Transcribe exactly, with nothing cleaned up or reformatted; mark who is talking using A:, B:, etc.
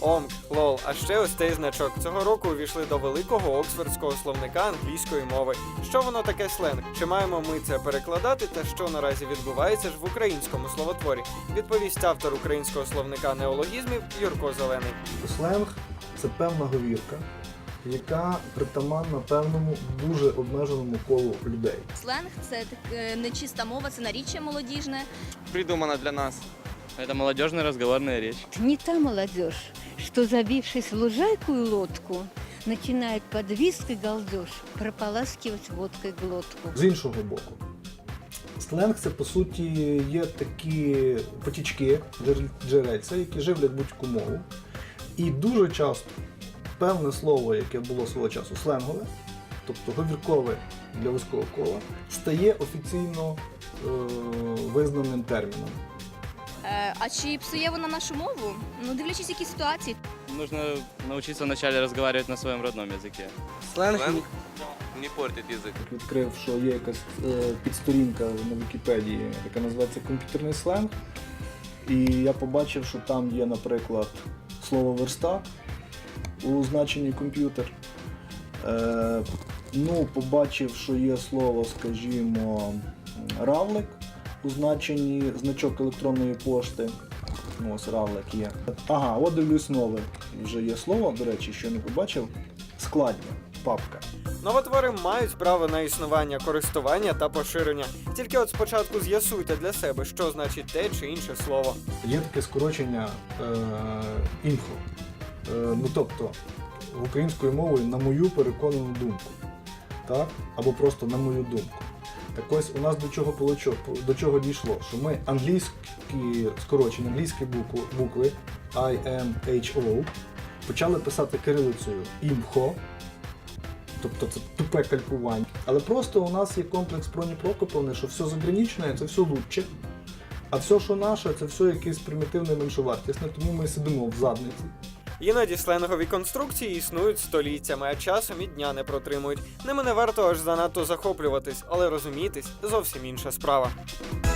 A: омк, лол. А ще ось цей значок. Цього року увійшли до великого оксфордського словника англійської мови. Що воно таке сленг? Чи маємо ми це перекладати та що наразі відбувається ж в українському словотворі? Відповість автор українського словника неологізмів Юрко Зелений.
B: Сленг – це певна говірка, яка притаманна певному дуже обмеженому колу людей.
C: Сленг – це так, нечиста мова, це наріччя молодіжне.
D: Придумано для нас. Это молодежная разговорная речь.
E: Не та молодежь, что, забившись в лужайку и лодку, начинает под визг и галдеж прополаскивать водкой глотку.
B: З іншого боку, сленг – це, по суті, є такі потічки, джерельця, які живлять будь-яку мову. І дуже часто певне слово, яке було свого часу сленгове, тобто говіркове для вузького кола, стає офіційно е- визнаним терміном.
C: Е, а чи псує вона нашу мову? Ну, дивлячись, які ситуації.
D: Нужно научиться вначале разговаривать на своем родном языке.
F: Сленг не портить язик.
B: Відкрив, що є якась е, підсторінка на Вікіпедії, яка називається комп'ютерний сленг. І я побачив, що там є, наприклад, слово верстак у значенні комп'ютер. Е, ну, побачив, що є слово, скажімо, равлик у значенні значок електронної пошти. Ну, ось равлик є. Ага, от дивлюсь нове. Вже є слово, до речі, що не побачив. Складня, папка.
A: Новотвори мають право на існування, користування та поширення. Тільки от спочатку з'ясуйте для себе, що значить те чи інше слово.
B: Є таке скорочення е, інфо. Е, ну тобто, українською мовою на мою переконану думку. Так? Або просто на мою думку. Так ось у нас до чого, получо, до чого дійшло, що ми англійські скорочення, англійські букви, букви I, M, H, O почали писати кирилицею імхо, тобто це тупе калькування. Але просто у нас є комплекс Проні Прокоповни, що все заграничне – це все лучше, а все, що наше, це все якесь примітивне меншовартісне, тому ми сидимо в задниці.
A: Іноді сленгові конструкції існують століттями, а часом і дня не протримують. Ними не варто аж занадто захоплюватись, але розумітись – зовсім інша справа.